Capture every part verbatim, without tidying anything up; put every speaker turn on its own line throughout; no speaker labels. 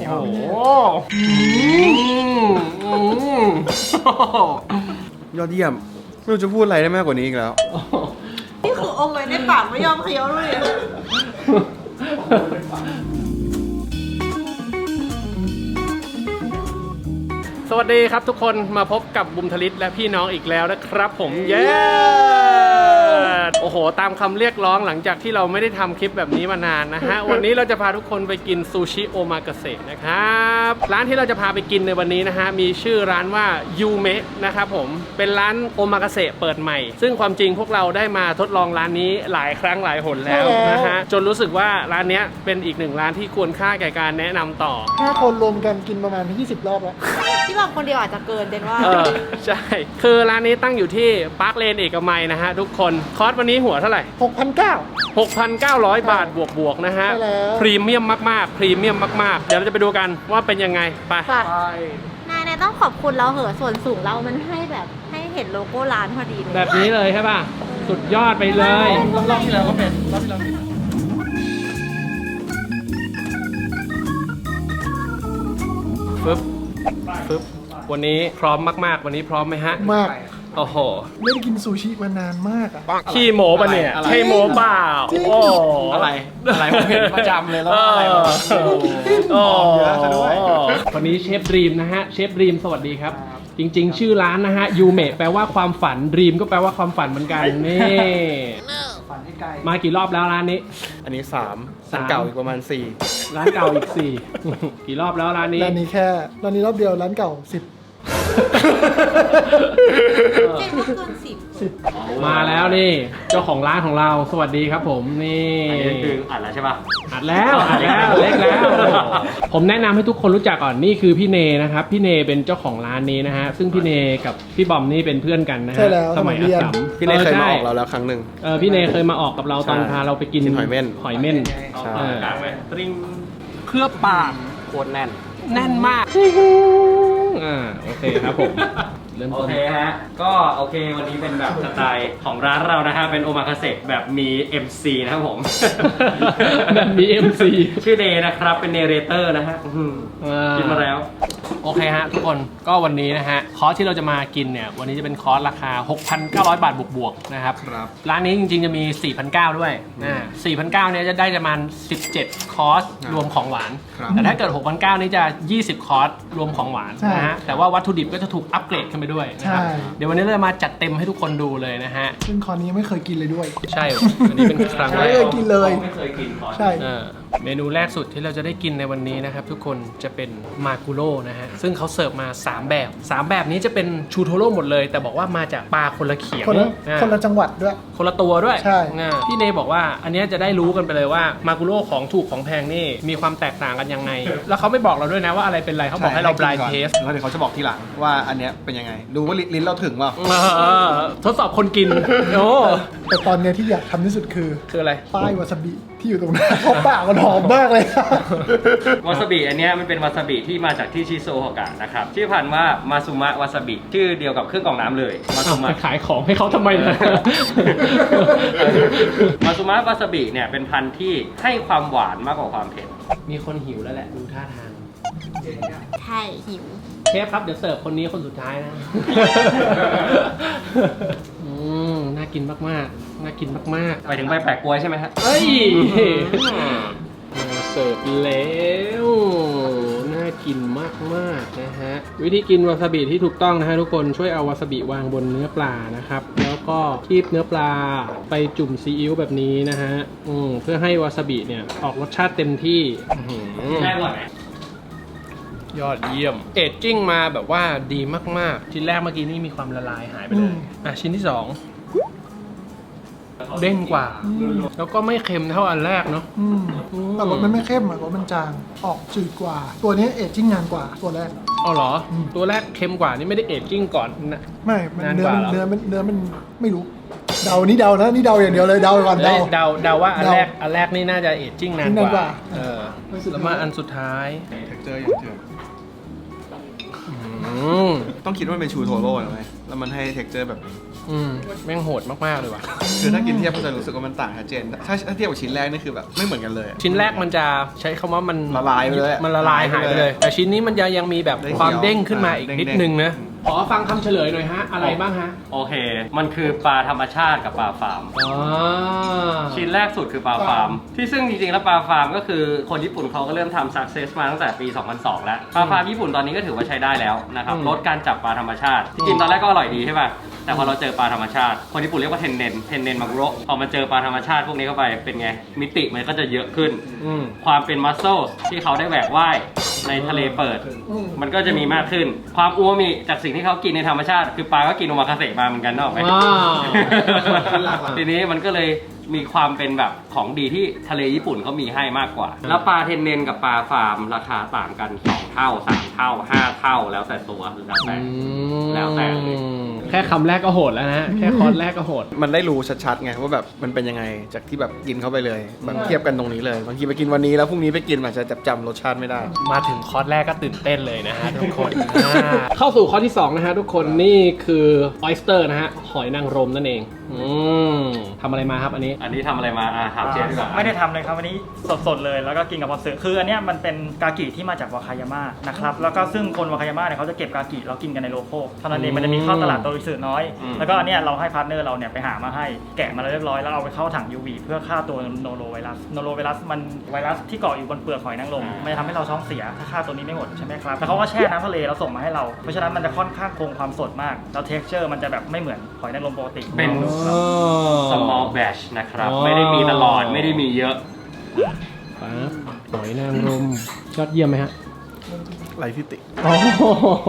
โอ้โห
ยอดเยี่ยมไม่รู้จะพูดอะไรได้มากกว่านี้อีกแล้ว
นี่คืออมไว้ในปากไม่ยอมเคี้ยวเลย
สวัสดีครับทุกคนมาพบกับบุมทลิตและพี่น้องอีกแล้วนะครับผมเย้โอ้โหตามคำเรียกร้องหลังจากที่เราไม่ได้ทำคลิปแบบนี้มานานนะฮะ วันนี้เราจะพาทุกคนไปกินซูชิโอมากาเสะนะครับร้านที่เราจะพาไปกินในวันนี้นะฮะมีชื่อร้านว่ายูเมะนะครับผมเป็นร้านโอมากาเสะเปิดใหม่ซึ่งความจริงพวกเราได้มาทดลองร้านนี้หลายครั้งหลายหนแล้วนะฮะจนรู้สึกว่าร้านนี้เป็นอีกหนึ่งร้านที่ควรค่าแก่การแนะนำต่อ
ห้าคนรวมกันกินประมาณยี่สิบรอบแล้ว
ที่บอกคนเดียวอาจจะเกินเดนว่า
เออใช่คือร้านนี้ตั้งอยู่ที่ปาร์คเลนเอกมัยนะฮะทุกคนคอร์สวันนี้หัวเท่าไหร่
หกพันเก้าร้อย
หกพันเก้าร้อย บาทบวกๆนะฮะพรีเมียมมากๆพรีเมียมมากๆเดี๋ยวเราจะไปดูกันว่าเป็นยังไงไป
นายนายต้องขอบคุณเราเหอะส่วนสูงเรามันให้แบบให้เห็นโลโก้ร้านพอดีเลย
แบบนี้เลยใช่ป่ะสุดยอดไปเลย
รอบที่แล้วก็เป็นรอบที่แล้ว
ฟึบฟึบวันนี้พร้อมมากๆวันนี้พร้อมไหมฮะ
มาก
โอ้โห
ไม่ได้กินซูชิมานานมากอ่ะ
ขี้โม้ปะเนี่ยใช่โม้เปล่าโอ้
อะไรอะไรผมเห็นประจำเลยแล้วอะไร
โอ้เยอะซะด้วยวันนี้เชฟดรีมนะฮะเชฟดรีมสวัสดีครับจริงๆชื่อร้านนะฮะยูเมะแปลว่าความฝันดรีมก็แปลว่าความฝันเหมือนกันนี่มากี่รอบแล้วร้านนี้
อันนี้สามร้านเก่าอีกประมาณสี่
ร้านเก่าอีกสี่กี่รอบแล้วร้านนี้
ร้านนี้แค่ร้านนี้รอบเดียวร้านเก่าสิบ
เจ็ดเมื่อคืนสิบ
สิบ
มาแล้วนี่เจ้าของร้านของเราสวัสดีครับผมนี่
อันนี้คืออัดแล้วใช่ป่ะ
อัดแล้วอัดแล้วเล็กแล้วผมแนะนำให้ทุกคนรู้จักก่อนนี่คือพี่เนนะครับพี่เนเป็นเจ้าของร้านนี้นะฮะซึ่งพี่เนกับพี่บอมนี่เป็นเพื่อนกันนะฮะ
สมัยเรียน
พี่เนเคยมาออกเราแล้วครั้งหนึ่ง
เออพี่เนเคยมาออกกับเราตอนพาเราไปกิน
หอยเม่น
หอยเม่นตริงเคลือบปาก
โคตรแน่น
แน่นมากอ่าโอเคครับผม
โอเคฮะก็โอเควันนี้เป็นแบบสไตล์ของร้านเรานะฮะเป็นโอมากาเสะแบบมี เอ็ม ซี นะครับผม
แบบมี เอ็ม ซี
ชื่อเดย์นะครับเป็นเนเรเตอร์นะฮะกินมาแล้ว
โอเคฮะทุกคนก็วันนี้นะฮะคอร์สที่เราจะมากินเนี่ยวันนี้จะเป็นคอร์สราคา หกพันเก้าร้อย บาทบวกๆนะครับร้านนี้จริงๆจะมี สี่พันเก้าร้อย ด้วยอ่า สี่พันเก้าร้อย เนี่ยจะได้ประมาณสิบเจ็ดคอร์สรวมของหวานแต่ถ้าเกิด หกพันเก้าร้อย นี่จะยี่สิบคอร์สรวมของหวานนะฮะแต่ว่าวัตถุดิบก็จะถูกอัปเกรดขึ้นไปด้วยนะครับเดี๋ยววันนี้เราจะมาจัดเต็มให้ทุกคนดูเลยนะฮะ
ซึ่งคอร์สนี้ไม่เคยกินเลยด้วย
ใช่อันนี้เป็นครั้งแรก
ไม่เคยกินเลย
ไม่เคยกินคอร์ส
ใช่
เมนูแรกสุดที่เราจะได้กินในวันนี้นะครับทุกคนจะเป็นมากุโร่นะฮะซึ่งเขาเสิร์ฟมาสามแบบสามแบบนี้จะเป็นชูโทโร่หมดเลยแต่บอกว่ามาจากปลาคนละเขียง
คนละคนละจังหวัดด้วย
คนละตัวด้วย
ใช่
พี่เนบอกว่าอันนี้จะได้รู้กันไปเลยว่ามากุโร่ของถูกของแพงนี่มีความแตกต่างกันยังไงแล้วเขาไม่บอกเราด้วยนะว่าอะไรเป็นอะไรเขาบอกให้เรา blind test
แล้วเดี๋ยวเขาจะบอกทีหลังว่าอันเนี้ยเป็นยังไงดูว่าลิ้นเราถึงเปล่า
ทดสอบคนกินโอ้
แต่ตอนนี้ที่อยากทำที่สุดคือ
คืออะไร
ป้ายวาซาบิที่อยู่ตรงนั้นเขาปากมันหอมมากเลยว
าซาบิอันนี้มันเป็นวาซาบิที่มาจากที่ชิโซโฮกะนะครับชื่อพันธุ์ว่ามาซุมะวาซาบิชื่อเดียวกับเครื่องกรองน้ำเลยมาซุมะ
ขายของให้เขาทำไมนะ
มาซุมะวาซาบิเนี่ยเป็นพันธุ์ที่ให้ความหวานมากกว่าความเผ็ด
มีคนหิวแล้วแหละดูท่าทาง
ใช่หิว
เชฟครับเดี๋ยวเสิร์ฟคนนี้คนสุดท้ายนะอืมน่ากินมากๆน่ากินมากๆ
ไปถึงใบแปะกล้วยใช่ไหมฮะ
เฮ้ยมาเสิร์ฟแล้วน่ากินมากๆนะฮะวิธีกินวาซาบิที่ถูกต้องนะฮะทุกคนช่วยเอาวาซาบิวางบนเนื้อปลานะครับแล้วก็คีบเนื้อปลาไปจุ่มซีอิ๊วแบบนี้นะฮะอืมเพื่อให้วาซาบิเนี่ยออกรสชาติเต็มที่
แซ่บอร่อยไหม
ยอดเยี่ยมเอจจิ้งมาแบบว่าดีมากๆชิ้นแรกเมื่อกี้นี่มีความละลายหายไปเลยอ่ะชิ้นที่สองเด้งกว่าแล้วก็ไม่เค็มเท่าอันแรกเนาะ
แต่รสมันไม่เข้มอ่ะรสมันจางออกจืดกว่าตัวนี้เอจจิ้งนานกว่าตัวแรก
อ๋อเหรอตัวแรกเค็มกว่านี่ไม่ได้เอจจิ้งก่อนนะ
ไม่เนื้อเนื้อมันเนื้อมันไม่รู้เดานี่เดานะนี่เดาอย่างเดียวเลยเดาก่อนเดา
เดาเดาว่าอันแรกอันแรกนี่น่าจะเอจจิ้งนานกว่าเออแล้วมาอันสุดท้าย
เท็กเจอร์อย่างเถื่อนต้องคิดว่าเป็นชูโทโร่หรือไงแล้วมันให้เท็กเจอร์แบบนี้
อืมแม่งโหดมากๆเลยว่ะ
คือถ้ากินเทียบก็จะรู้สึกว่ามันต่างชัดเจนถ้าถ้าเทียบกับชิ้นแรกนี่คือแบบไม่เหมือนกันเลย
ชิ้นแรกมันจะใช้คำว่ามัน
ละลายไปเลย
มันละลายหายไปเลย แต่ชิ้นนี้มันจะยังมีแบบ
ได้เขียว
ความเด้งขึ้นมาอีก
อ่า
นิด
เด้งๆ
นึงนะขอฟังคำเฉลยหน่อยฮะอะไรบ้างฮะ
โอเค มันคือปลาธรรมชาติกับปลาฟาร์ม
อ๋อ
ชิ้นแรกสุดคือปลาฟาร์ม ที่ซึ่งจริงๆแล้วปลาฟาร์มก็คือคนญี่ปุ่นเขาก็เริ่มทำ success มาตั้งแต่ปี สองพันสอง แล้วปลาฟาร์มญี่ปุ่นตอนนี้ก็ถือว่าใช้ได้แล้วนะครับลดการจับปลาธรรมชาติที่กินตอนแรกก็อร่อยดีใช่ป่ะแต่พอเราเจอปลาธรรมชาติคนญี่ปุ่นเรียกว่าเทนเนนเทนเนนมาโกะพอมาเจอปลาธรรมชาติพวกนี้เข้าไปเป็นไงมิติมันก็จะเยอะขึ้น
อืม
ความเป็นมัสเซลที่เขาได้แหวกว่ายในทะเลเปิด
อืม
มันก็จะมีมากขึ้น ความอูมามิจากสิ่งที่เขากินในธรรมชาติ คือปลาก็กินโอมาคาเสะมาเหมือนกันนกออกไหม
ว้าว
ทีนี้มันก็เลยมีความเป็นแบบของดีที่ทะเลญี่ปุ่นเขามีให้มากกว่า แล้วปลาเทนเนนกับปลาฟาร์มราคาต่างกันสองเท่าสามเท่าห้าเท่าแล้วแต่ตัวแล้วแต่ แล้วแต่เลย
แค่คำแรกก็โหดแล้วนะฮะแค่คอร์สแรกก็โหด
มันได้รู้ชัดๆไงว่าแบบมันเป็นยังไงจากที่แบบกินเข้าไปเลยแบบเทียบกันตรงนี้เลยบางทีไปกินวันนี้แล้วพรุ่งนี้ไปกินอาจจะจับจำรสชาติไม่ได้
มาถึงคอร์สแรกก็ตื่นเต้นเลยนะฮะทุกคน อ่าเข้าสู่คอร์สที่สองนะฮะทุกคนนี่คือออยสเตอร์นะฮะหอยนางรมนั่นเองอืมทำอะไรมาครับอันนี้
อันนี้ทำอะไรมาอ่ะถามเชฟดีกว่า
ไม่ได้ทำเลยครับวันนี้สดๆเลยแล้วก็กินกับพอสึคืออันเนี้ยมันเป็นกากิที่มาจากวาคายาม่านะครับแล้วก็ซึ่งคนวาคายาม่าเนี่ยเขาจะเก็บกากิแล้วกินกันในโลโก้เท่านั้นเองมันจะมีเข้าตลาดโดยสื่อน้อย แล้วก็อันเนี้ยเราให้พาร์ทเนอร์เราเนี่ยไปหามาให้แกะมาแล้วเรียบร้อยแล้วเอาไปเข้าถัง ยู วี เพื่อฆ่าตัวโนโรไวรัสโนโรไวรัสมันไวรัสที่เกาะอยู่บนเปลือกหอยนางรมมันจะทำให้เราท้องเสียถ้าฆ่าตัวนี้ไม่หมดใช่ไหมครับแล้วเขาก็แช่น้ำทะเลแล้วส่งมาให้เราเพราะฉะนั้นมันจะค่อนข้างคงความสดมากแล้วเท็กซ์เจอร์มันจะแบบไม่เหมือนหอยนางรมปกติ
เป็น small batch นะครับไม่ได้มีตลอดไม่ได้มีเยอะ
ปั๊บหอยนางรมยอดเยี่ยมไหมฮะ
ไรทิติ
โอ้โห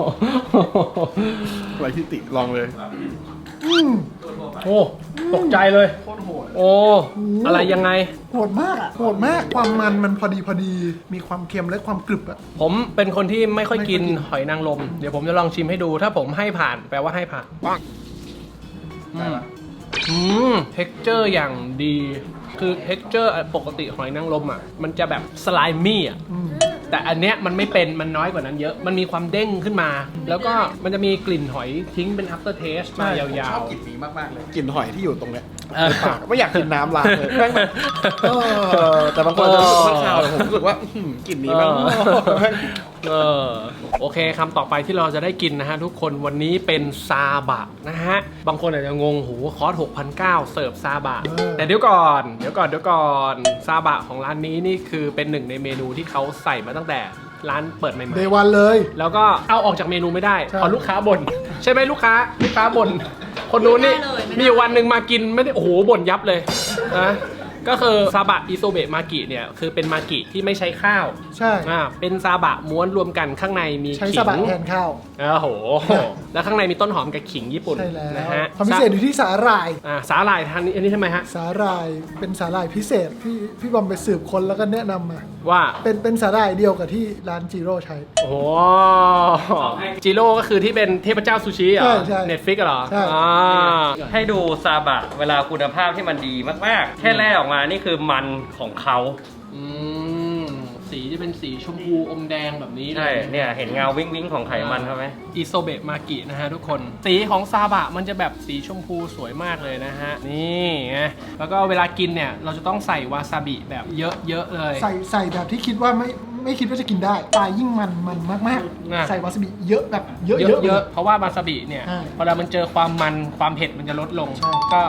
ไรทิติลองเลย
โอ้ตกใจเลยโอ้อะไรยังไง
โหดมากอ่ะโหดมากความมันมันพอดีพอดีมีความเค็มและความกรึบอ่ะ
ผมเป็นคนที่ไม่ค่อยกิน
ไม่ค่อยกิน
หอยนางรมเดี๋ยวผมจะลองชิมให้ดูถ้าผมให้ผ่านแปลว่าให้ผ่านอืมอืมเท็กเจอร์อย่างดีคือเท็กเจอร์ปกติหอยนางรมอ่ะมันจะแบบสไลมี่อ่ะ
อืม
แต่อันเนี้ยมันไม่เป็นมันน้อยกว่านั้นเยอะมันมีความเด้งขึ้นมา แล้วก็มันจะมีกลิ่นหอยทิ้งเป็น after taste มายา
ชอ
ว
บกลิ่นนี้มากๆเลยกลิ่นหอยที่อยู่ตรงเนี้ย
เออ
ในปากไม่อยากกินน้ำล้างเลยแม่งแบบเออแต่บางคนจะรู้สึกว่าข้าวแต่ผมรู้สึกว่าอื้อหือกลิ่นนี้แม่ง
เออโอเคคำต่อไปที่เราจะได้กินนะฮะทุกคนวันนี้เป็นซาบะนะฮะบางคนอาจจะงงหูคอร์ส หกพันเก้าร้อย เสิร์ฟซาบะ
เออ
แต่เดี๋ยวก่อนเดี๋ยวก่อนเดี๋ยวก่อนซาบะของร้านนี้นี่คือเป็นหนึ่งในเมนูที่เขาใส่มาตั้งแต่ร้านเปิดใหม่
เดวันเลย
ๆแล้วก็เอาออกจากเมนูไม่ได้
ใช่
เพราะลูกค้าบ่นใช่ไหมลูกค้าลูกค้าบ่นคนนู้นนี่
ไม่ได้เลยไม่ได้
มีอยู่วันหนึ่งมากินไม่ได้โอ้โหบ่นยับเลยนะก็คือซาบะอิโซเบะมากิเนี่ยคือเป็นมากิที่ไม่ใช้ข้าว
ใช่
อ่าเป็นซาบะม้วนรวมกันข้างในมี
ใช้
ขิ
สบะ
ง
แทนข้าว
โอ้โห แล้วข้างในมีต้นหอมกับขิงญี่ปุ่น
ใช่แล้ว
นะฮะ
ความพิเศษอยู่ที่สาหร่าย
อ่าสาหร่ายทานนี้อันนี้ทำไมฮะ
สาหร่ายเป็นสาหร่ายพิเศษพี่พี่บอมไปสืบค้นแล้วก็แนะนำมา
ว่า
เป็นเป็นสาหร่ายเดียวกับที่ร้านจิโร่ใช้
โอ้โหจิโร่ก็คือที่เป็นเทพเจ้าซูชิเหรอ
ใช่ใช่
เน็ตฟิกเหรอ
ใช่
อ่า
ให้ดูซาบะเวลาคุณภาพที่มันดีมากๆ แค่แรกออกมานี่คือมันของเขา
อืมสีจะเป็นสีชมพูอมแดงแบบนี้เล
ใช่
ย
เนี่ยเห็นเงาวิ้งวิ้งๆของไขมันเขาไหม
อิโซเบะมากินะฮะทุกคน สีของซาบะมันจะแบบสีชมพูสวยมากเลยนะฮะ นี่ไงแล้วก็เวลากินเนี่ย เราจะต้องใส่วาซาบิแบบเยอะๆเลย
ใส่ใส่แบบที่คิดว่าไม่ไม่คิดว่าจะกินได้ปลายยิ่งมันมันมาก
น่ะ
ๆ ใส่วาซาบิเยอะแบบเยอะ
เย
เย
อะ
อะ
เยอะเพราะว่าวาซาบิเนี่ย
ใช่
เวลามันเจอความมันความเผ็ดมันจะลดลง
ใช่
ก็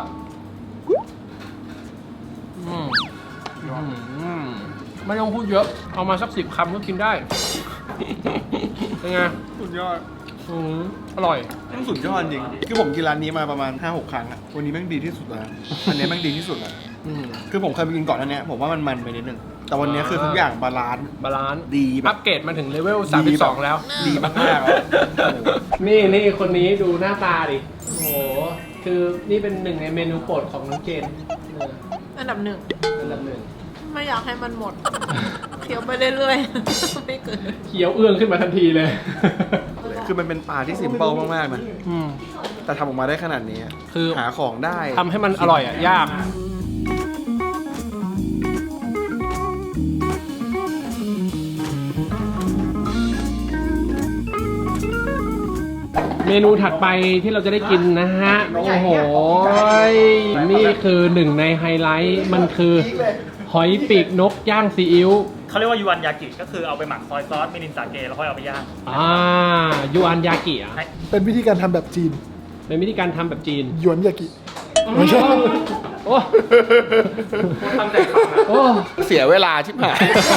อืมอืมไม่ต้องพูดเยอะ เอามาสักสิบคำก็กินได้ เป็นไง
สุดยอด
อืมอร่อย
แม่งสุดยอดจริงคือผมกินร้านนี้มาประมาณ ห้าหก ครั้งอะวันนี้แม่งดีที่สุดแล้วอันนี้แม่งดีที่สุดแล้ว
อืม
คือผมเคยไปกินก่อนอันเนี้ยผมว่ามันมันไปนิดนึงแต่วันนี้คือทุกอย่างบาลานซ์
บาลานซ์
ดีแบ
อั
บ
ปเกรดมาถึงเลเวลสามสิบสองแล้ว
ดีมากๆแล้วโอ้โห
นี่นี่คนนี้ดูหน้าตาดิ โอ้โห คือนี่เป็นหนึ่งในเมนูโปรดของน้องเจนเออ
อันดับหนึ่ง
อันดับหนึ่ง
ไม่อยากให้มันหมด เคี้ยวไปเรื่อยๆ ไม่เกิน
เขียวเอื้องขึ้นมาทันทีเลย
คือมันเป็นปลาที่ซิมเปิลมากๆนะ
อืม
แต่ทำออกมาได้ขนาดนี้อะ
คือ
หาของได้
ทำให้มันอร่อยอ่ะ ยาก นเมนูถัดไปที่เราจะได้กินนะฮะ โอ้โห นี่คือหนึ่งในไฮไลท์ มันคือหอยปีกนกย่างซีอิ๊ว
เขาเรียกว่ายูวันยากิก็คือเอาไปหมักซอยซอสมิรินสาเกแล้วค่อยเอาไปย่าง
อ่ายูอันยากิอ่ะ
เป็นวิธีการทำแบบจีน
เป็นวิธีการทำแบบจีน
หยวนยากิไม่ใช่
โอ้
ตั้งใจฟังนะ
โอ้
เสียเวลาชิบหาย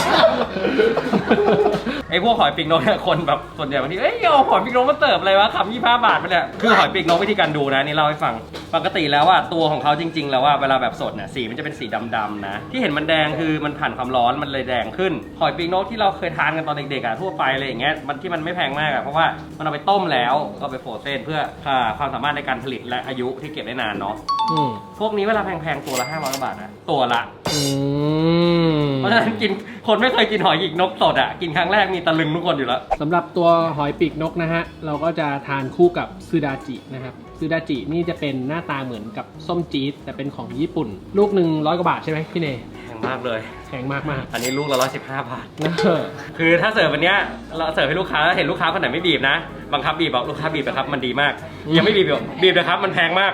ไอ้พวกหอยปีกนกเนี่ยคนแบบส่วนใหญ่บางทีเอ้ยเอาหอยปีกนกมาเสิร์ฟอะไรวะคำยี่ห้าบาทไปเนี่ยคือหอยปีกนกวิธีการดูนะนี่เล่าให้ฟังปกติแล้วว่าตัวของเขาจริง ๆ แล้วว่าเวลาแบบสดเนี่ยสีมันจะเป็นสีดำๆนะที่เห็นมันแดงคือมันผ่านความร้อนมันเลยแดงขึ้นหอยปีกนกที่เราเคยทานกันตอนเด็กๆอ่ะทั่วไปอะไรอย่างเงี้ยมันที่มันไม่แพงมากอ่ะเพราะว่ามันเอาไปต้มแล้วก็ไปโฟรเซนเพื่ออ่าความสามารถในการผลิตและอายุที่เก็บได้นานเนาะ
อืม
พวกนี้เวลาแพงๆตัวละห้าร้อยบาทนะตัวละ
อืม
เพราะฉะนั้นกินคนไม่เคยกินหอยปีกนกสดอ่ะกินครั้งแรกมีตะลึงทุกคนอยู่แล้ว
สำหรับตัวหอยปีกนกนะฮะ เราก็จะทานคู่กับซูดาจินะครับซูดาจินี่จะเป็นหน้าตาเหมือนกับส้มจี๊ดแต่เป็นของญี่ปุ่น ลูกหนึ่งร้อยกว่าบาทใช่ไหมพี่เนย
แพงมากเลย
แพงมากมาก
อันนี้ลูกละร้อยสิบห้าบาท
ๆนะ
คือถ้าเสิร์ฟวันเนี้ยเราเสิร์ฟให้ลูกค้าแล้วเห็นลูกค้าคนไหนไม่บีบนะบังคับบีบบอกลูกค้าบีบนะครับมันดีมาก ยังไม่บีบบอกบีบนะครับมันแพงมาก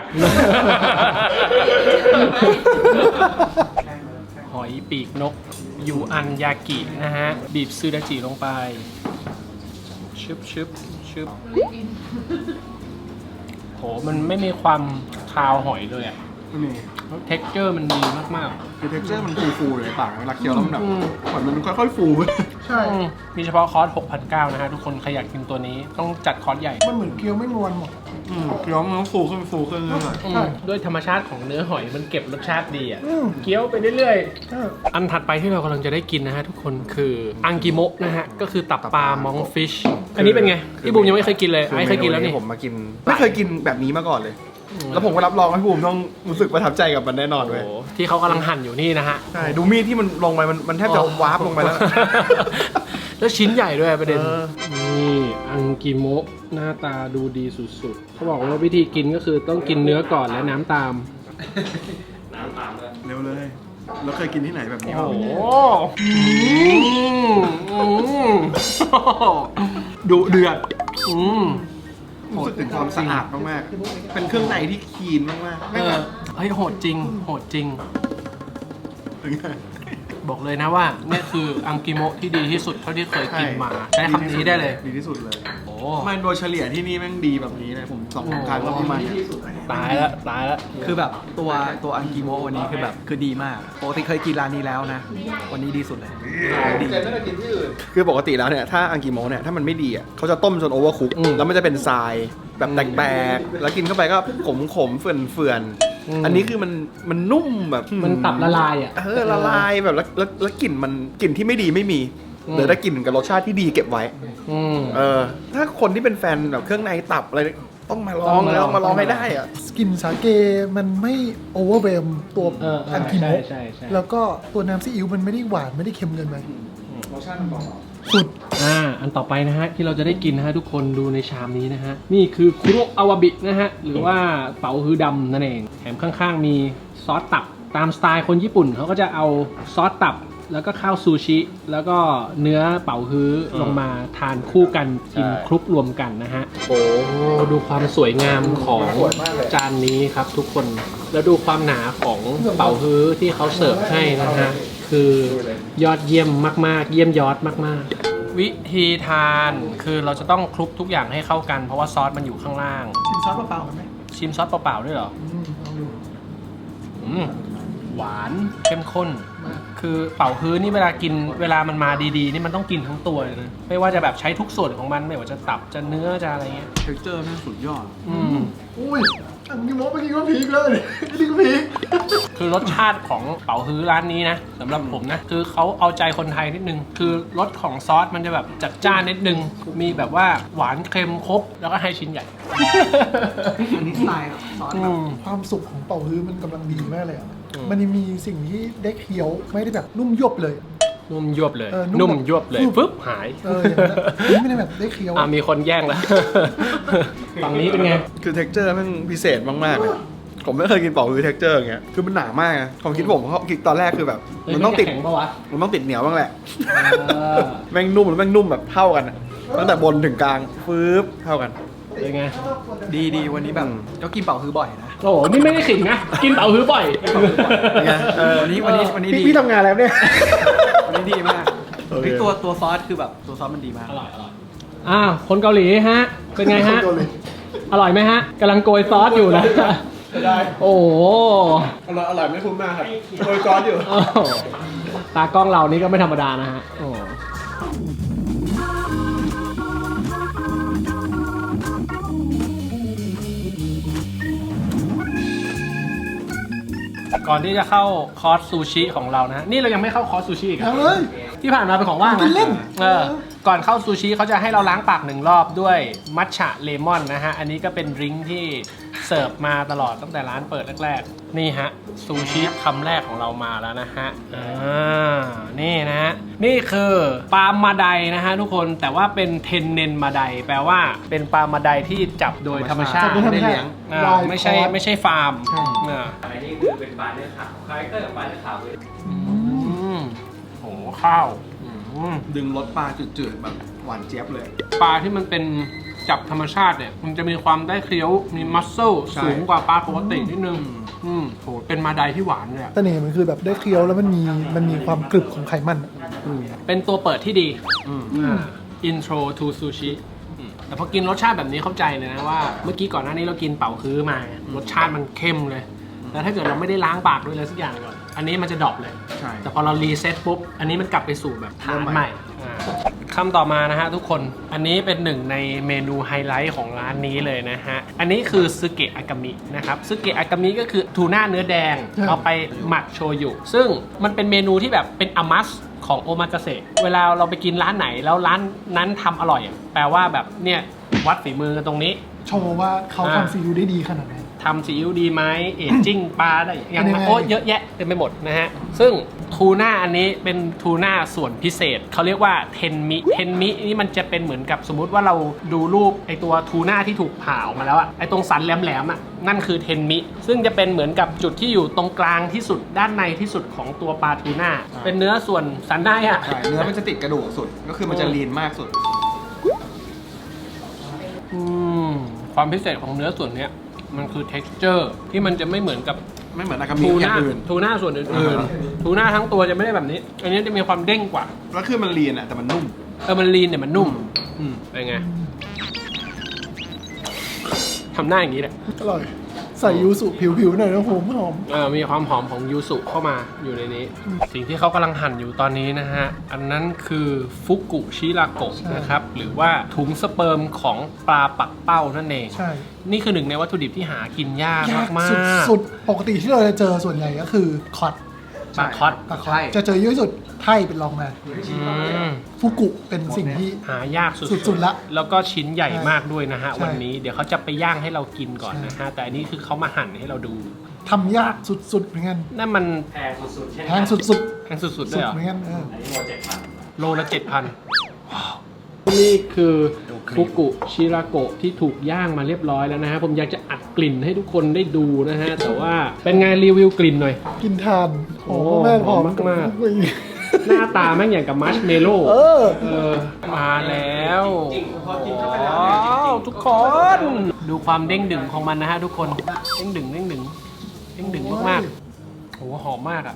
หอยปีกนกยูอันยากินะฮะ บีบซูดาจิลงไป ชึบชึบชึบโหมันไม่มีความคาวหอยเลยอะ
นี่
เท็กเจอร์มันดีมาก
คือเท็กเจอร์มันฟูๆเลยในปากเวลาเคี้ยวแล้วมันแบบ
อืม
เหมือนมันค่อยๆฟู
ใช่
ๆอืมมีเฉพาะคอร์ส หกพันเก้าร้อย นะฮะ ทุกคนใครอยากกินตัวนี้ต้องจัดคอร์สใหญ่
มันเหมือนเกี๊ยวไม่มวนหมด
อืมเคี้ยวมันต้องฟูขึ้นฟูขึ้นเรื่อย
อืม
ใช่
ด้วยธรรมชาติของเนื้อหอยมันเก็บรสชาติดีอ่ะ
อืม
เคี้ยวไปเรื่อย
ใช่
ๆ อันถัดไปที่เรากำลังจะได้กินนะฮะทุกคนคืออังกิโมะนะฮะ ก็คือตับปลามองฟิช อันนี้เป็นไงพี่บูมยังไม่เคยกินเลย
ๆ
ไอ้เคยกินแล้วนี่
ผมมากินไม่เคยกินแบบนี้มาก่อนเลย แล้วผมก็รับรองให้ภูมิต้องรู้สึกประทับใจกับมันแน่นอน
โอ้
เว้ย
โหที่เขากำลังหั่นอยู่นี่นะฮะ
ใช่ดูมีดที่มันลงไปมันมันแทบจะวาร์ปลงไปแล้ว
แล้วชิ้นใหญ่ด้วยประเด็น
เออ
นี่อังกิโมะหน้าตาดูดีสุดๆเขาบอกว่าวิธีกินก็คือต้องกินเนื้อก่อนและน้ำตาม
น้ำตามด้วย
เร็วเลยแล้วเคยกินที่ไหนแบบนี้
โอ้
บ้าง
โหอืมอืมดุเดือดอืม
รู้สึกถึงความสะอาดมากๆเป็นเครื่องในที่คลีนมากๆ
เอ
ไม่
อ
แบบ
เฮ้ยโหดจริง โหดจริง
ถึงไง
บอกเลยนะว่าเนี่ยคืออังกิโมะที่ดีที่สุดเท่าที่เคยกินมาใช้คำนี้ได้เลย
ดีที่สุดเลย
โอ้
ไม่โดยเฉลี่ยที่นี่แม่งดีแบบนี้เลยผมสองครั้งก็ประมาณเนี้ย
ตายแล้วตายแล้ว
คือแบบตัวตัวอังกิโมะวันนี้คือแบบคือดีมากปกติเคยกินร้านนี้แล้วนะ วันนี้ดีสุดเลยดี
คือปกติแล้วเนี่ยถ้าอังกิโมะเนี่ยถ้ามันไม่ดีอ่ะเขาจะต้มจนโอเวอร์คุกแล้วมันจะเป็นทรายแบบแตกๆแล้วกินเข้าไปก็ขมขมๆเฟื่อนเฟื่อนๆอันนี้คือมันมันนุ่มแบบ
มันตับละลายอ่ะ
เออละลายแบบแล้วแล้วแล้วกลิ่นมันกลิ่นที่ไม่ดีไม่มี
อืม
เหลือแต่กลิ่นกับรสชาติที่ดีเก็บไว้
อืม
เออถ้าคนที่เป็นแฟนแบบเครื่องในตับอะไรต้องมาลอง
ต้องมาลอง
แล้วมาลองให้ได้อ่ะ
สกินสาเกมันไม่โอเวอร์เวมตัว
เออเออ
อังกิโมะ
ใช่ใช่ใช่
แล้วก็ตัวน้ำซีอิ๊วมันไม่ได้หวานไม่ได้เค็มเกินไป
รสชาติมันเบา
สุด
อ่า อันต่อไปนะฮะที่เราจะได้กินนะฮะทุกคนดูในชามนี้นะฮะ นี่คือคุโรอาวาบินะฮะ หรือว่าเป๋าฮือดำนั่นเอง แถมข้างๆมีซอสตับตามสไตล์คนญี่ปุ่นเขาก็จะเอาซอสตับ แล้วก็ข้าวซูชิ แล้วก็เนื้อเป๋าฮื้อลงมาทานคู่กันกินคลุกรวมกันนะฮะ โอ้ดูความสวยงามของจานนี้ครับทุกคน แล้วดูความหนาของเป๋าฮื้อที่เขาเสิร์ฟให้นะฮะ คือยอดเยี่ยมมากๆ เยี่ยมยอดมากๆ วิธีทานคือเราจะต้องคลุกทุกอย่างให้เข้ากันเพราะว่าซอสมันอยู่ข้างล่าง
ชิมซอสเปล่าๆกันไหม
ชิมซอสเปล่าๆด้วยเหรอ
อืมลองดู
อืมหวานเข้มข้น คือเป่าฮื้อนี่เวลากินเวลามันมาดีๆ นี่มันต้องกินทั้งตัวเลยนะไม่ว่าจะแบบใช้ทุกส่วนของมันไม่ว่าจะตับจะเนื้อจะอะไรเงี้ย
ๆ texture แม่งสุดยอด
อืม
อุ้ยอังกิโมะเมื่อกี้ก็พีคเลยนี่ก็พีค
คือรสชาติของเป๋าฮื้อร้านนี้นะสำหรับผมนะคือเขาเอาใจคนไทยนิดนึง คือรสของซอสมันจะแบบจัดจ้านนิดนึง มีแบบว่าหวานเค็มครบแล้วก็ให้ชิ้นใหญ่
อันนี้สไตล์ซอส
อืม
ความสุกของเป่าฮื้อมันกำลังดีมากเลยอ่ะ
อืม
มันยังมีสิ่งที่ได้เคี้ยวไม่ได้แบบนุ่มยวบเลย
นุ่มยวบเลย
เออนุ่ม
นุ่ม
แบบ
ยวบเลย
ฟึบ
ปึ๊บหาย
เอออย่างนั้นอะอันนี้ไม่ได้แบบได้เคี้ยว
อ่ามีคนแย่งแล้ว ฝั่งนี้เป็นไง
คือ texture แม่งพิเศษมากๆเลยผมไม่เคยกินเป่าฮื้อ texture อย่างเงี้ยคือมันหนามากนะความคิดผมเขาคิดตอนแรกคือแบบ
เฮ้ย
มันต้องติด
จะแข็งปะวะ
มันต้องติดเหนียวบ้างแหละ
เออ
แม่งนุ่มแล้วแม่งนุ่มแบบเท่ากันอะตั้งแต่บนถึงกลางฟืบเท่ากัน
เป็นไง
ดีดีวันนี้แบบก็กินเป่าคือบ่อยนะ
โอ้โหนี่ไม่ได้ขิงนะ กินเต่าฮื้อบ่อย
เออวันนี้วันนี้วันนี้
พี่
ดี
พี่ทำงานแล้วเนี่ย
วันนี้ดีมากเฮ้ยตัวตัวซอสคือแบบตัวซอสมันดีมาก
อร่อยอร่อยอ้าวคนเกาหลีฮะ เป็นไงฮะ
คนเกาหลี
อร่อยไหมฮะกำลังโกยซอสอยู่นะ
ได้
โอ้โห
อร่อยอร่อยไม่คุ้มมากครับโดยก้อนอยู่
โอ้โหตากล้องเรานี่ก็ไม่ธรรมดานะฮะโอ้ก่อนที่จะเข้าคอร์สซูชิของเรานะ นี่เรายังไม่เข้าคอร์สซูชิอีก
เอา
อะ
เลย
ที่ผ่านมาเป็นของว่าง
กิ
นะ
นเล่น
เออก่อนเข้าซูชิเขาจะให้เราล้างปากหนึ่งรอบด้วยมัทฉะเลมอนนะฮะ อันนี้ก็เป็นดริงก์ที่เสิร์ฟมาตลอดตั้งแต่ร้านเปิดแรกๆ นี่ฮะซูชิคำแรกของเรามาแล้วนะฮะ อ่า นี่นะฮะ นี่คือปลามาไดนะฮะทุกคน แต่ว่าเป็นเทนเนนมาไดแปลว่าเป็นปลามาไดที่จับโดยธรรมชาติ
จับโดยธรรมชาติ
ไม่ได้เลี้ยงอ่า
ลาย
ไม่ใช่
คอร์ส
ไม่ใช่ฟาร์ม
ใช่
อ่า
อันนี้คือเป็นปลาเนื้อขาวคาแรคเตอร์ของปลาเนื้อขาวคือ
อืมโหข้าวอืม
ดึงรสปลาจืดๆแบบหวานเจี๊ยบเลย
ปลาที่มันเป็นจับธรรมชาติเนี่ย มันจะมีความได้เคี้ยวมีมัสเซล
ใช่
สูงกว่าปลาปกตินิดนึง อืมโหเป็นมาไดที่หวานเลยอะ
เสน่ห์มันคือแบบได้เคี้ยวแล้วมันมีมันมีความกรึบของไขมันอะ
เป็นตัวเปิดที่ดี
อืม
อ่า intro to sushi อืมแต่พอกินรสชาติแบบนี้เข้าใจเลยนะว่าเมื่อกี้ก่อนหน้านี้เรากินเป่าคือมารสชาติมันเข้มเลย แต่ถ้าเกิดเราไม่ได้ล้างปากด้วยอะไรสักอย่างก่อน อันนี้มันจะดรอปเลย
ใช่
แต่พอเรารีเซ็ตปุ๊บ อันนี้มันกลับไปสู่แบบฐานใหม่อ่าคำต่อมานะฮะทุกคน อันนี้เป็นหนึ่งในเมนูไฮไลท์ของร้านนี้เลยนะฮะ อันนี้คือซึเกะอากามินะครับ ซึเกะอากามิก็คือทูน่าเนื้อแดง เอาไปหมักโชยุ ซึ่งมันเป็นเมนูที่แบบเป็นอามัสของโอมากาเสะ เวลาเราไปกินร้านไหนแล้วร้านนั้นทำอร่อยอะแปลว่าแบบเนี่ยวัดฝีมือกันตรงนี้
โชว์ว่าเขา
อ่า
ทำซีอิ๊วได้ดีขนาดไหน
ทำซีอิ๊วดีไหมเอจจิ้งปลาได้ยัง
เป็นยังไง
โอ้เยอะแยะเต็มไปหมดนะฮะ ซึ่งทูน่าอันนี้เป็นทูน่าส่วนพิเศษ เขาเรียกว่าเทนมิเทนมินี่มันจะเป็นเหมือนกับสมมุติว่าเราดูรูปไอตัวทูน่าที่ถูกผ่าออกมาแล้วอะไอตรงสันแหลมๆอะนั่นคือเทนมิซึ่งจะเป็นเหมือนกับจุดที่อยู่ตรงกลางที่สุดด้านในที่สุดของตัวปลาทูน่าเป็นเนื้อส่วนสันในอะ
ใช่เนื้อมันจะติดกระดูกสุด ก็คือมันจะลีนมากสุด
อืมความพิเศษของเนื้อส่วนเนี้ยมันคือ texture ที่มันจะไม่เหมือนกับ
ไม่เหมือนอากามิ
ทู
อย่า
น่าง
อื่น
ทูน่าส่วนอื่น
อ่า
ๆทูน่าทั้งตัวจะไม่ได้แบบนี้ อันนี้จะมีความเด้งกว่า
แล้วคือมันลีนอ่ะแต่มันนุ่ม
เออมันลีนเนี่ยมันนุ่ม อืมเป็นไงทำหน้าอย่างนี้แหละ
อร่อย ใส่ยูสุผิวๆหน่อยนะผมหอม
เออมีความหอมของยูสุเข้ามาอยู่ในนี้ สิ่งที่เขากำลังหั่นอยู่ตอนนี้นะฮะ อันนั้นคือฟุกุชิราโกะ
ใช่
นะครับ หรือว่าถุงสเปิร์มของปลาปักเป้านั่นเอง
ใช่
นี่คือหนึ่งในวัตถุดิบที่หากินยาก
ยาก
มากๆ
สุดๆ ปกติที่เราจะเจอส่วนใหญ่ก็คือคอต
ปลาคอต
ปลาคอ
ใช่
ตจะเจอเยอะที่สุดไทยเป็นรองมา
อืม
ฟุกุเป็นสิ่งที่
หายากสุด
สุดๆละ
แล้วก็ชิ้นใหญ่มากด้วยนะฮะ
ใช่
วันนี้เดี๋ยวเขาจะไปย่างให้เรากินก่อนนะฮะ แต่อันนี้คือเขามาหั่นให้เราดู
ทำยากสุดๆเหมือนกัน
นั่นมัน
แพงสุดๆเช่น
แพงสุดๆ
แพงสุดๆ
สุ
เลย
ด
เหรอ
เหมือนกันเออ
อันนี้โมเจ็ดพัน
โลละเจ็ดพันนี่คือฟุกุชิราโกะที่ถูกย่างมาเรียบร้อยแล้วนะฮะ ผมอยากจะอัดกลิ่นให้ทุกคนได้ดูนะฮะ แต่ว่าเป็นไงรีวิวกลิ่นหน่อย
กินทานหอม
โอ้
มากหอม
หอมมากๆ
อุ้ย
หน้าตาแม่งอย่างกับมัชเมลโล่
เออ
เออ มาแล้ว
จริงๆพอกินเข้าไปแล้ว
ว้า
เนี่ยว
ทุกคน ดูความเด้งดึงของมันนะฮะทุกคน เด้งดึงเด้งดึงเด้งดึงมากๆโอ้โหหอมมากอ่ะ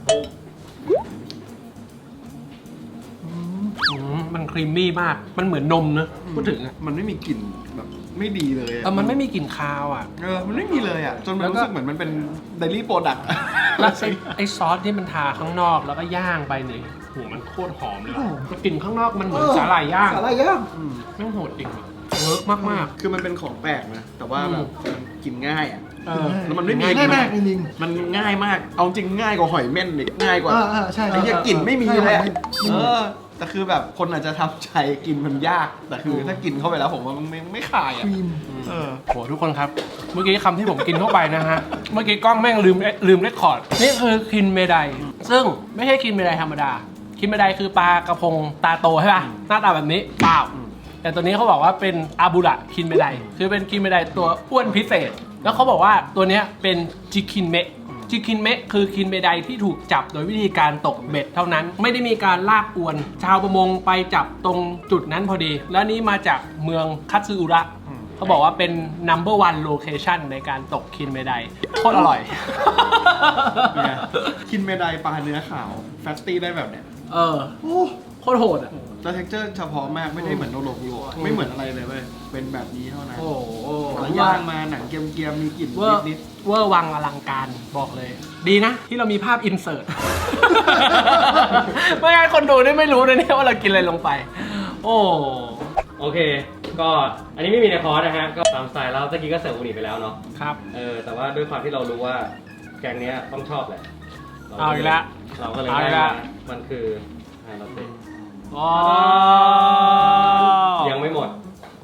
อืมมันครีมมี่มาก มันเหมือนนมนะพูดถึงอ่ะ
มันไม่มีกลิ่นแบบไม่ดีเลยอะ
เออมันไม่มีกลิ่นคาวอ่ะ
เออมันไม่มีเลยอ่ะ จนมัน
แล้วก็
รู้สึกเหมือนมันเป็นเดลี่โปรดักต์
แล้วไอ้ไอ้ซอสที่มันทาข้างนอกแล้วก็ย่างไปเนี่ยโหมันโคตรหอมเลยว่ะแต่กลิ่นข้างนอกมันเหมือนสาหร่ายย่าง
สาหร่ายย่าง
แม่งโหดจริงว่ะเวิร์กมาก
คือมันเป็นของแปลกนะ แต่ว่า
อืม
แบบมันกินง่ายอ่ะ
ๆเออ
แล้วมันไม่มี
ง่ายมากจริง
มันง่ายมาก เอาจริงง่ายกว่าหอยเม่นอีกง่ายกว่า
อ่าอ่าใช่
ไอ้เหี้ยกลิ่นไม่มี
ใช่
เลยอะ
ไม่ไม่มี
เออ แต่คือแบบคนอาจจะทำใจกินมันยาก แต่คือถ้ากินเข้าไปแล้วผมว่ามันไม่ไม่คาย
ค
อ่ะ
รีม
เออ
โหทุกคนครับ เมื่อกี้คำที่ผมกินเข้าไปนะฮะ เมื่อกี้กล้องแม่งลืมลืมเรคคอร์ด นี่คือคินเมไดซึ่งไม่ใช่คินเมไดธรรมดา คินเมไดคือปลากระพงตาโตใช่ป่ะ หน้าตาแบบนี้เปล่า แต่ตัวนี้เขาบอกว่าเป็นอาบุระคินเมไดคือเป็นคินเมไดตัวอ้วนพิเศษ แล้วเขาบอกว่าตัวเนี้ยเป็นจิคินเมะจิคินเมะคือคินเมไดที่ถูกจับโดยวิธีการตกเบ็ดเท่านั้น ไม่ได้มีการลากอวน ชาวประมงไปจับตรงจุดนั้นพอดี แล้วนี้มาจากเมืองคัตสึอุระ พเขาบอกว่าเป็น number one location ในการตกคินเมไดโคตรอร่อย
เนี่ยคินเมไดปลาเนื้อขาวแฟตตี้ได้แบบเนี้ย
เออโคตรโหดอ่ะ
แล้วเท็กเจอร์เฉพาะมากไม่ได้เหมือนโนโลกุโรไม่เหมือนอะไรเลยเว้ยเป็นแบบนี้เท่านั้น
โอ้โห
แล้วย่างมาหนังเกรียมๆมีกลิ่น
เวอร์
นิด
เวอร์วังอลังการบอกเลย ดีนะที่เรามีภาพอินเสิร์ต ไม่งั้นคนดูนี่ไม่รู้เลยเนี่ยว่าเรากินอะไรลงไป โอ้
โอเค ก็อันนี้ไม่มีในคอร์สนะฮะ ก็ตามสไตล์แล้วตะกี้ก็เสิร์ฟอูนิไปแล้วเนาะ
ครับ
เออ แต่ว่าด้วยความที่เรารู้ว่าแกงเนี้ยต้องชอบแหละ
เอาอีกแล้ว
เราก็เลย
เอาอี
ได้
กแล้ว
มามันคือไฮลาเต้
อ๋อ
ยังไม่หมด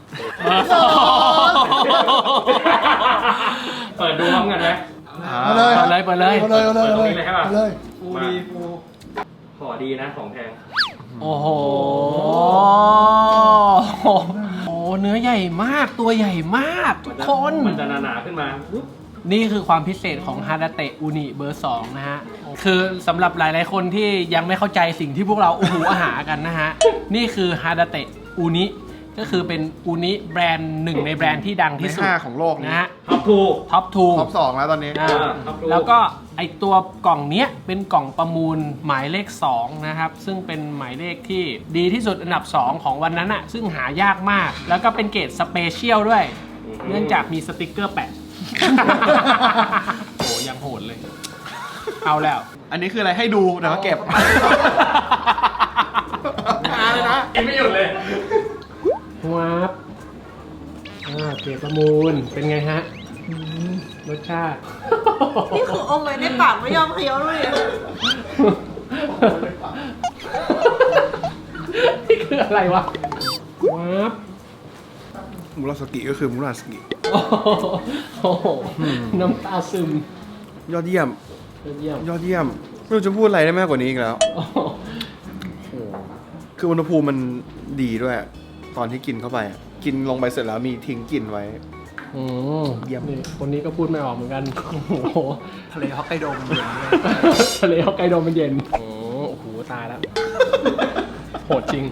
เปิดดูพร้อมกันไหม
เอาเลย
เปิดเลยเปิดเลย
เอาเลยเอาเลยเอาเลย
เปิดตรงนี้เลยใช่ปะ
เอาเลย
ฟูดีฟู
ขอดีนะของแพง
โอ้โห โอ้เนื้อใหญ่มากตัวใหญ่มากทุกคน
มันจะหนาๆขึ้นมาปุ๊บ
นี่คือความพิเศษของฮาดาเตะอูนิเบอร์สองนะฮะ คือสำหรับหลายๆคนที่ยังไม่เข้าใจสิ่งที่พวกเราอูหูอาหากันนะฮะ นี่คือฮาดาเตะอูนิก็คือเป็นอูนิแบรนด์หนึ่งในแบรนด์ที่ดัง
ใน
ที่สุด
ห้าของโลก
นะฮะ
ท็อปทู
ท็อปทู
ท็อปสองแล้วตอนนี้
อ่า
ครับผม
แล้วก็ไอตัวกล่องเนี้ยเป็นกล่องประมูลหมายเลขสองนะครับซึ่งเป็นหมายเลขที่ดีที่สุดอันดับสองของวันนั้นอะซึ่งหายากมาก แล้วก็เป็นเกรดสเปเชียลด้วย เนื่องจากมีสติกเกอร์แปะ โหยังโหดเลย เอาแล้ว
อันนี้คืออะไรให้ดูแต่ว่าเก็บหาเลยนะ
กินไม่หยุดเลย
วับอ่าเกรดประมูลเป็นไงฮะรสชาติ
นี่คืออมไว้ในปากไม่ยอมเคี้ยวเลยอะ
นี่คืออะไรวะวับ
มูราสกิก็คือมูราสกิ
โอ้โหน้ำตาซึม
ยอดเยี่ยม
เยี่ยม
ยอดเยี่ยม ไม่รู้จะพูดอะไรได้มากกว่านี้อีกแล้ว
โอ้โห
คืออุณหภูมิมันดีด้วย ตอนที่กินเข้าไปอะกินลงไปเสร็จแล้วมีทิ้งกลิ่นไว้
อืม
เยี่ยม
นี่คนนี้ก็พูดไม่ออกเหมือนกัน โอ้โห
ทะเลฮอกไกโดมันเย็นด้วย
ทะเลฮอกไกโดมันเย็นโอ้โหตายแล้ว โหดจริง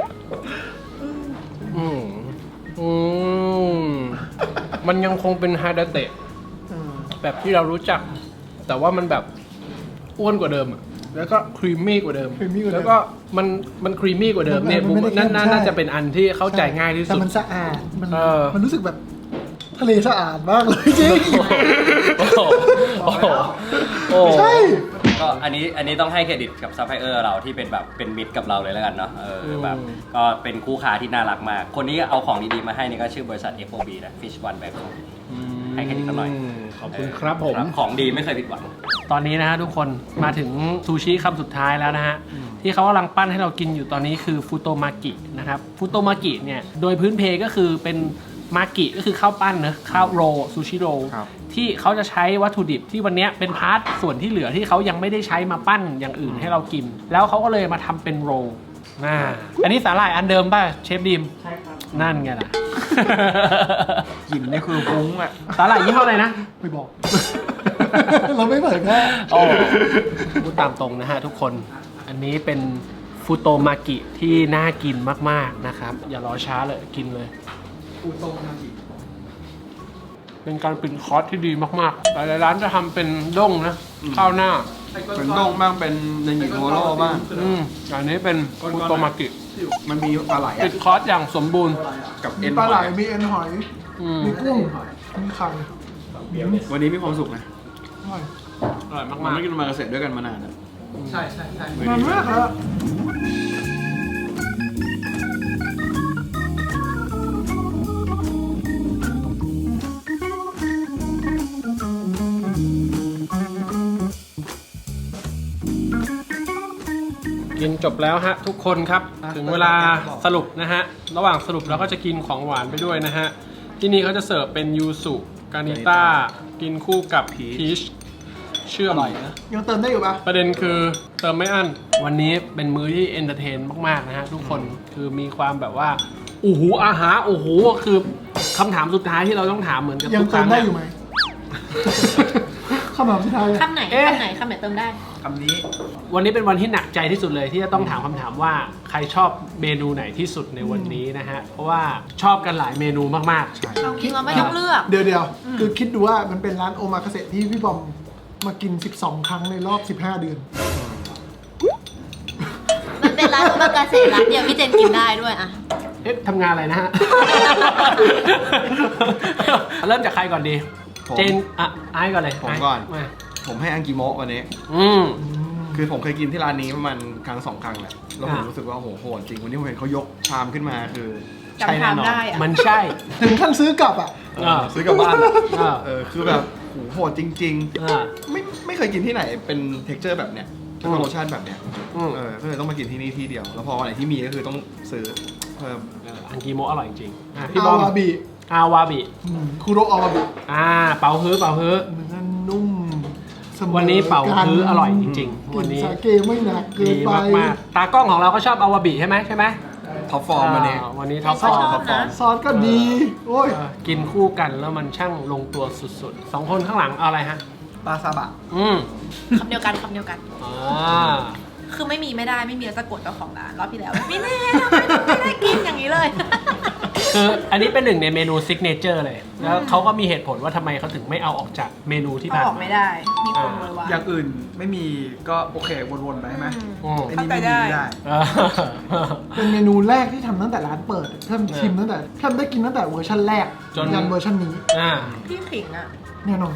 อืมอืมมันยังคงเป็นฮาดาเตะแบบที่เรารู้จัก แต่ว่ามันแบบอ้วนกว่าเดิมอะแล้วก็ครีมมี่กว่าเดิม
creamy กว่าเดิม
แล้วก็มันมันครีมมี่กว่าเดิมเนี่ย
มันไม่ได้
นั่น
เข้ม
น่า
ใช่
น่าจะเป็นอันที่เข้าใจง่ายที่
แต่
สุด
มันสะอาดมัน
เออ
มันรู้สึกแบบทะเลสะอาดมากเลยจริง
โอ้โหโอ้โหโอ้โห
ใช่
ก็อันนี้อันนี้ต้องให้เครดิตกับซัพพลายเออร์เราที่เป็นแบบเป็นมิตรกับเราเลยแล้วกันเนาะเออแบบ
อืม
ก็เป็นคู่ค้าที่น่ารักมาก คนนี้เอาของดีๆมาให้นี่ก็ชื่อบริษัท เอฟ โอ บี นะ Fish One Bangkok ให้เครดิตเขาหน่อย
ขอบคุณครับผม
ของดีไม่เคยผิดหวัง
ตอนนี้นะฮะทุกคนมาถึงซูชิคำสุดท้ายแล้วนะฮะ ที่เขากำลังปั้นให้เรากินอยู่ตอนนี้คือฟูโตมากินะครับฟูโตมากิเนี่ยโดยพื้นเพก็คือเป็นมากิก็คือข้าวปั้นเนอะข้าวโรซูชิโร
ครับ
ที่เขาจะใช้วัตถุดิบที่วันเนี้ยเป็นพาร์ทส่วนที่เหลือที่เขายังไม่ได้ใช้มาปั้นอย่างอื่นให้เรากิน แล้วเขาก็เลยมาทำเป็นโรอ่าอันนี้สาหร่ายอันเดิมป่ะเชฟดิมใช่ครับนั่นไงล่ะ
กลิ่นนี่คือฟุ้งอ่ะ
สาหร่ายยี่ห้ออะไรนะ
ไม่บอก เราไม่เปิดแค่
โอ้พูดตามตรงนะฮะทุกคน อันนี้เป็นฟูโตมากิที่น่ากินมากๆนะครับ อย่ารอช้าเลยกินเลย
ฟูโตมากิ
เป็นการปิดคอร์สที่ดีมากๆหลายๆร้านจะทำเป็นด้งนะ ข้าวหน้า
เหมือนด้งบ้างเป็นในหญิงโทโร่บ้าง
อืมอันนี้เป็นฟูโตมากิ
มันมีปลาไหล
ปิ
อะ
ดคอร์สอย่างสมบูรณ์
กับ
มี
เอ็น
ปลาไหล
หอย
มีเอ็นหอย
อืม
มีกุ้ง มีไข่
วันนี้มีความสุขนะ
อร่อย
อร่อย
มัน
มาก
ไม่กินมาเกษตรด้วยกันมานานแล้ว
ใช่ใช่ใช่
นานมากแล้ว
ๆกินจบแล้วฮะทุกคนครับ ถึงเวลาสรุปนะฮะ ระหว่างสรุปเราก็จะกินของหวานไปด้วยนะฮะ ที่นี่เขาจะเสิร์ฟเป็นยูสุกานิต้ากินคู่กับพีชเชื่อม
ยังเติมได้อยู่ปะ
ประเด็นคือเติมไม่อั้นวันนี้เป็นมื้อที่เอนเตอร์เทนมากๆนะฮะทุกคนคือมีความแบบว่าโอ้โหอาหารโอ้โหคือคำถามสุดท้ายที่เราต้องถามเหมือนกับ
ยัง
ทุกค
เติ
รั้
ม
ง
ได้อยู่ไหมคำถามสุดท้ายอะ
คำไหน
เอ๊ะ
คำไหนคำไหนเติมได้
ค
ำนี้
วันนี้เป็นวันที่หนักใจที่สุดเลยที่จะต้องถามคำถามว่าใครชอบเมนูไหนที่สุดในวันนี้นะฮะ เพราะว่าชอบกันหลายเมนูมาก
เราคิดว่าไม่ต้องเลือก
เดี๋ยวเดี๋ยวคือคิดดูว่ามันเป็นร้านโอมาคาเสะที่พี่บอมมากิน สิบสอง ครั้งในรอบ สิบห้า เดือน
มันเป็นร้านโอมากาเสะร้านเดียวพี่เจนกินได้ด้วยอะ
ๆ เอ๊ะทำงานอะไรนะฮะ เริ่มจากใครก่อนดี
ผม
เจนอ่ะไอ้ก่อนเลย
ผมก่อน
มา
ผมให้อังกิโมะวันนี้
อืม
คือผมเคยกินที่ร้านนี้ประมาณครั้งสองครั้งแหละแล้วผม
อ่ะ
รู้สึกว่าโหโหดจริงวันนี้ผมเห็นเขายกชามขึ้นมาคือ
จำ
ใช่แน่นอน
ทำได้อะ
มันใช่
ถึงขั้นซื้อกลับอ่ะ
เออซื้อกลับบ้าน
อ่า
เออคือแบบโหโหดจริง
อ่า
ๆ ไม่ไม่เคยกินที่ไหนเป็นเท็กเจอร์แบบเนี้ยแล้วก็รสชาติแบบเนี้ย
อืม
เออก็เลยต้องมากินที่นี่ที่เดียว แล้วพอวันไหนที่มีก็คือต้องซื้อเพิ่ม
เอออังกีโมะอร่อยจริงๆอ่ะพี่บ
อา
อม
วาบิ
อาวาบิ
อืมคุโรอาวาบิ
อ่าเป่าฮื้อเป่าฮื้อ
เนื้อนุ่มสมอ
วันนี้เป่า
กัน
ฮื้ออร่อยจริงๆ
ก
วัน
ลิ่น
นี้
สาเกไม่หนักเกิ
ดี
นไป
มากๆตากล้องของเราก็ชอบอาวาบิใช่ไหมใช่ไหม
ท็อปฟอร์มวันนี้
อ่าวันนี้ท็อปฟ
ช
อ
อบ
ร์ม
ท็อปฟอร์ม
นะ
ซอสก็ดี โอ้ย
เออกินคู่กันแล้วมันช่างลงตัวสุดๆสองคนข้างหลังเอาอะไรฮะ
ปลาซาบะ
อืม
คำเดียวกันคำเดียวกัน
อ่า
คือไม่มีไม่ได้ไม่มีแล้วจะกดเจ้าของร้านรอบที่แล้วไม่แน่ไม่ไม่ได้กินอย่างนี้เลย
คืออันนี้เป็นหนึ่งในเมนูซิกเนเจอร์เลย แล้วเขาก็มีเหตุผลว่าทำไมเขาถึงไม่เอาออกจากเมนูที่
เอา
ผ่าน
ออกไม่ได้ มีคนโวยวาย
อย่างอื่นไม่มีก็โอเควนๆไปใช่ไหม
อืม
ไอ้นี่ไม่มีไม่ได้
เออ
เป็นเมนูแรกที่ทำตั้งแต่ร้านเปิดเพิ่มชิมตั้งแต่เพิ่มได้กินตั้งแต่เวอร์ชันแรก
จน
ยันเวอร์ชันนี้
อ่า
พี่ขิงอ่ะ
แน่นอน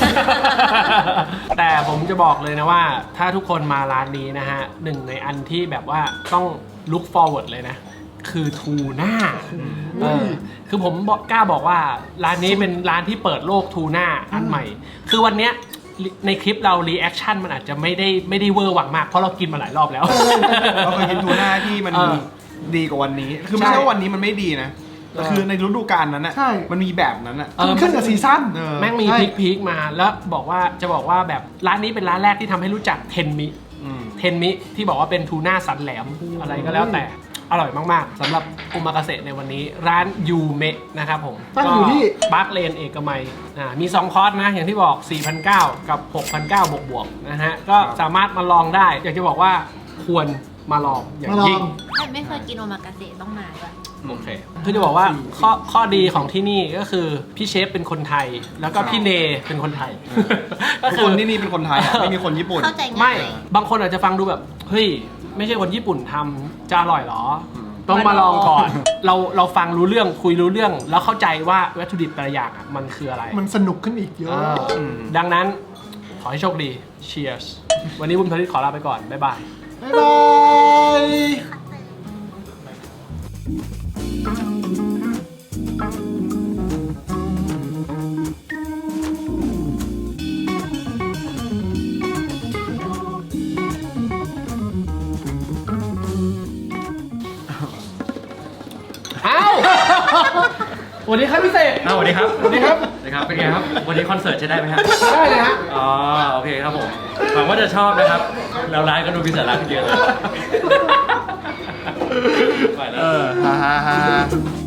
แต่ผมจะบอกเลยนะว่าถ้าทุกคนมาร้านนี้นะฮะหนึ่งในอันที่แบบว่าต้อง look forward เลยนะ คือทูน่าเออคือผมบอกกล้าบอกว่าร้านนี้เป็นร้านที่เปิดโลกทูน่าอันใหม่ คือวันเนี้ยในคลิปเรารีแอคชั่นมันอาจจะไม่ได้ไม่ได้เวอร์หวังมาก เพราะเรากินมาหลายรอบแล้ว
เราเคยกินทูน่าที่มัน
เออ
ดีกว่าวันนี้ คือไม่
ใช่
ใช่ว่าวันนี้มันไม่ดีนะแต่คือในฤดูกาลนั้นน่ะ
ใช่
มันมีแบบนั้นน่ะ
เออ
ขึ้นกับซีซั่น
เออ
แม่งมี
ใช่
พลิกพีคมาแล้วบอกว่าจะบอกว่าแบบร้านนี้เป็นร้านแรกที่ทำให้รู้จักเทนมิ
อืม
เทนมิที่บอกว่าเป็นทูน่าสันแหลมอะไรก็แล้วแต่อร่อยมากๆสำหรับอุมากาเสะในวันนี้ร้านยูเมะนะครับผม
ตั้งอยู่ที่
บาร์เลนเอกมัยอ่ามีสองคอร์สนะอย่างที่บอก สี่พันเก้าร้อย กับ หกพันเก้าร้อย บวกๆนะฮะก็สามารถมาลองได้ อยากจะบอกว่าควรมาลองอย่าง
มาลอ
ยิ่
ง
ง
แต่ไม่เคยกินโอมากาเสะต้องมาด้วย
โอเคคือจะบอกว่าข้อข้อดีของที่นี่ก็คือพี่เชฟเป็นคนไทย แล้วก็พี่เนเป็นคนไทย ก็
ทุก
คื
ค
อน
ที่นี่เป็นคนไทยอะไม่มีคนญี่ปุ่น
เข้าใจง่าย
ไม่บางคนอาจจะฟังดูแบบเฮ้ยไม่ใช่คนญี่ปุ่นทำจะอร่อยเหรอ ต้องมาลองก่อน เราเราฟังรู้เรื่องคุยรู้เรื่อง แล้วเข้าใจว่าวัตถุดิบแต่ละอย่างอะมันคืออะไร
มันสนุกขึ้นอีกเยอะ
เอออ
ม
ดังนั้นขอให้โชคดี Cheers วันนี้บุญทลิตขอลาไปก่อน บ๊ายบาย
บ๊ายบาย
เอ้า สวัสดีครับพี่เสก
อ้าวสวัสดีครับ
สวัสดีครับ
สวัสดีครับ เป็นไงครับ วันนี้คอนเสิร์ตใช้ได้ไหมฮะ
ได้เลยฮะ
อ๋อ โอเคครับผม หวังว่าจะชอบนะครับ แล้วร้านก็ดูพิเศษร้านเยอะเลยไปแล้ว
ฮ่าฮ่าฮ่า